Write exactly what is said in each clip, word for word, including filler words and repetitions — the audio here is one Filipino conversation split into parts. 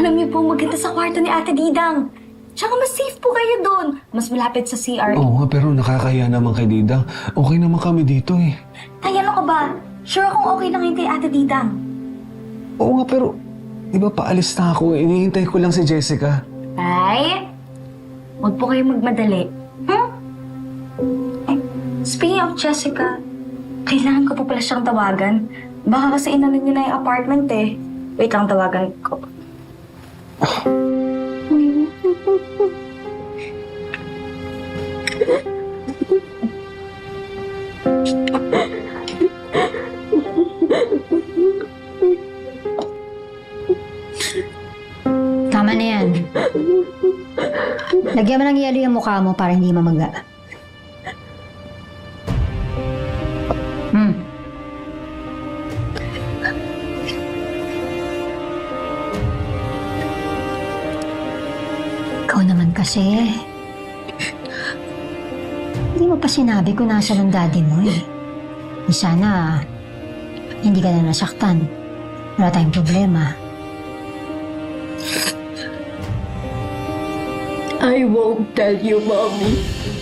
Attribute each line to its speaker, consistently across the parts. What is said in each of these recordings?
Speaker 1: Alam niyo po, maganda sa kwarto ni Ate Didang. Tsaka mas safe po kayo doon. Mas malapit sa C R.
Speaker 2: Oo nga, pero nakakahiya naman kay Didang. Okay naman kami dito eh.
Speaker 1: Tay, ano ka ba? Sure akong okay lang yun kay Ate Didang.
Speaker 2: Oo nga, pero di ba paalis na ako? Inihintay ko lang si Jessica.
Speaker 1: Ay, huwag po kayong magmadali. Hmm? Eh, speaking of Jessica, kailangan ko po pala siyang tawagan. Baka kasi inano niyo na yung apartment eh. Wait lang, tawagan ko.
Speaker 3: Tama na yan. Lagyan mo ng yelo yung mukha mo para hindi mamaga. Hmm. Ikaw naman kasi. Hindi mo pa sinabi kung nasa ng daddy mo eh. Di sana, hindi ka na nasaktan. Wala tayong problema.
Speaker 4: I won't tell you, Mommy.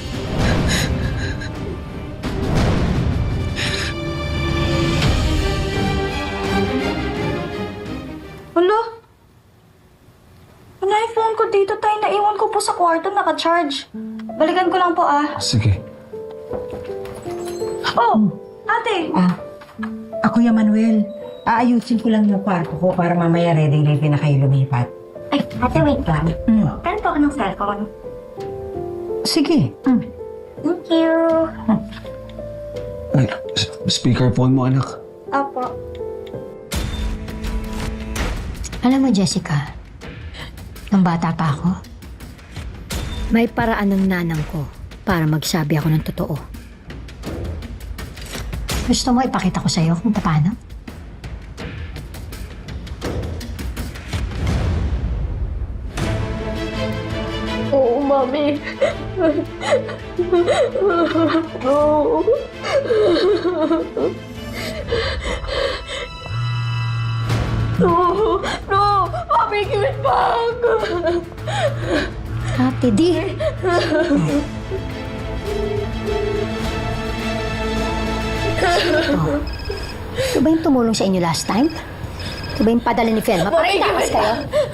Speaker 1: Hala? Ano yung phone ko dito, Tay? Naiwan ko po sa kwarto, naka-charge. Balikan ko lang po, ah.
Speaker 2: Sige.
Speaker 1: Oh, ate!
Speaker 5: Ah, ako yung Manuel. Aayusin ko lang yung kwarto ko para mamaya ready-ready na kayo lumipat.
Speaker 1: Ay, ate, wait lang.
Speaker 5: Mm.
Speaker 1: Kailan po ako ng cellphone?
Speaker 5: Sige. Mm.
Speaker 1: Thank you.
Speaker 2: Ay, s- speakerphone mo, anak.
Speaker 1: Opo.
Speaker 3: Alam mo, Jessica, nung bata pa ako, may paraan ng nanang ko para magsabi ako ng totoo. Gusto mo ipakita ko sa'yo kung paano?
Speaker 4: Oo, Mommy. No. No. No. Mommy, give it back.
Speaker 3: Ate Di! Oh. Ito ba yung tumulong sa inyo last time? Ito ba yung padala ni Felma? Pakitakas kayo?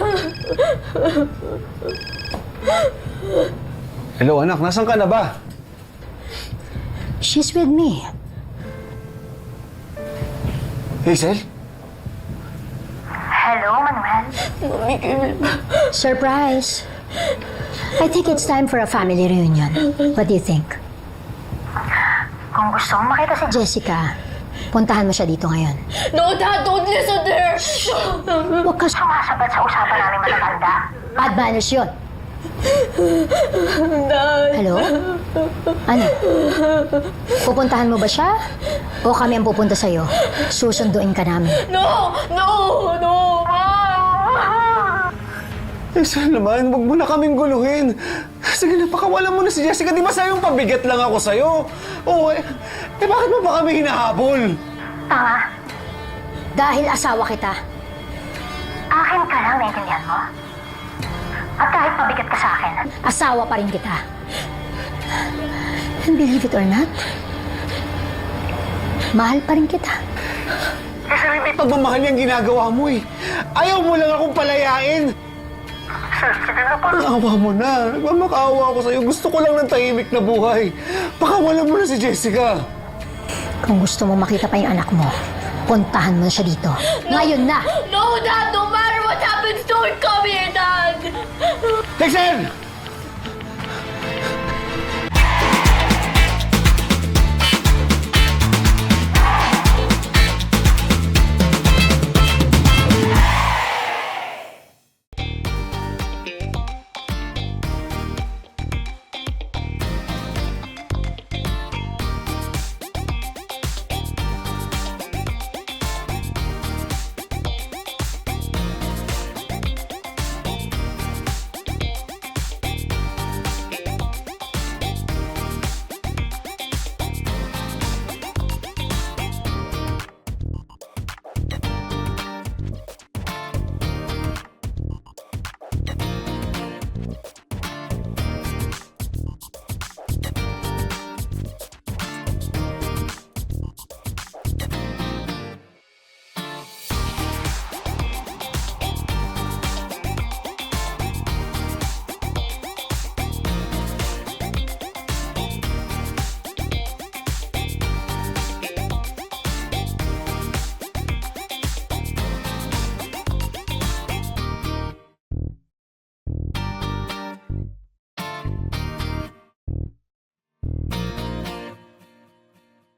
Speaker 2: Hello, anak. Nasaan ka na ba?
Speaker 3: She's with me.
Speaker 2: Hazel?
Speaker 4: Mommy, give it back.
Speaker 3: Surprise! I think it's time for a family reunion. What do you think?
Speaker 6: Kung gusto mong makita si
Speaker 3: Jessica, puntahan mo siya dito ngayon.
Speaker 4: No, Dad, don't listen to her.
Speaker 3: Huwag ka
Speaker 6: sumasabat sa usapan namin matatanda.
Speaker 3: bad manners yun.
Speaker 4: Dad.
Speaker 3: Hello? Ano? Pupuntahan mo ba siya? O kami ang pupunta sa'yo? Susunduin ka namin.
Speaker 4: No. No. No.
Speaker 2: Hazel naman, huwag mo na kaming guluhin. Sige na, pakawalan mo na si Jessica. Di ba sa'yo yung pabigat lang ako sa'yo? Oo, eh, eh bakit mo ba kami hinahabol?
Speaker 6: Tanga,
Speaker 3: Dahil asawa kita.
Speaker 6: akin ka lang, naiintindihan mo? At kahit pabigat ka sa akin,
Speaker 3: Asawa pa rin kita. And believe it or not, mahal pa rin kita.
Speaker 2: Kasi may pagmamahal yung ginagawa mo eh. Ayaw mo lang akong palayain.
Speaker 6: sige na po.
Speaker 2: Awa mo na. Nagmamakaawa ako sa'yo. Gusto ko lang ng tahimik na buhay. Pakawalan mo na si Jessica.
Speaker 3: Kung gusto mo makita pa yung anak mo, puntahan mo na siya dito. Ngayon na!
Speaker 4: No, Dad. No matter what happens, don't come here, Dad.
Speaker 2: Hazel!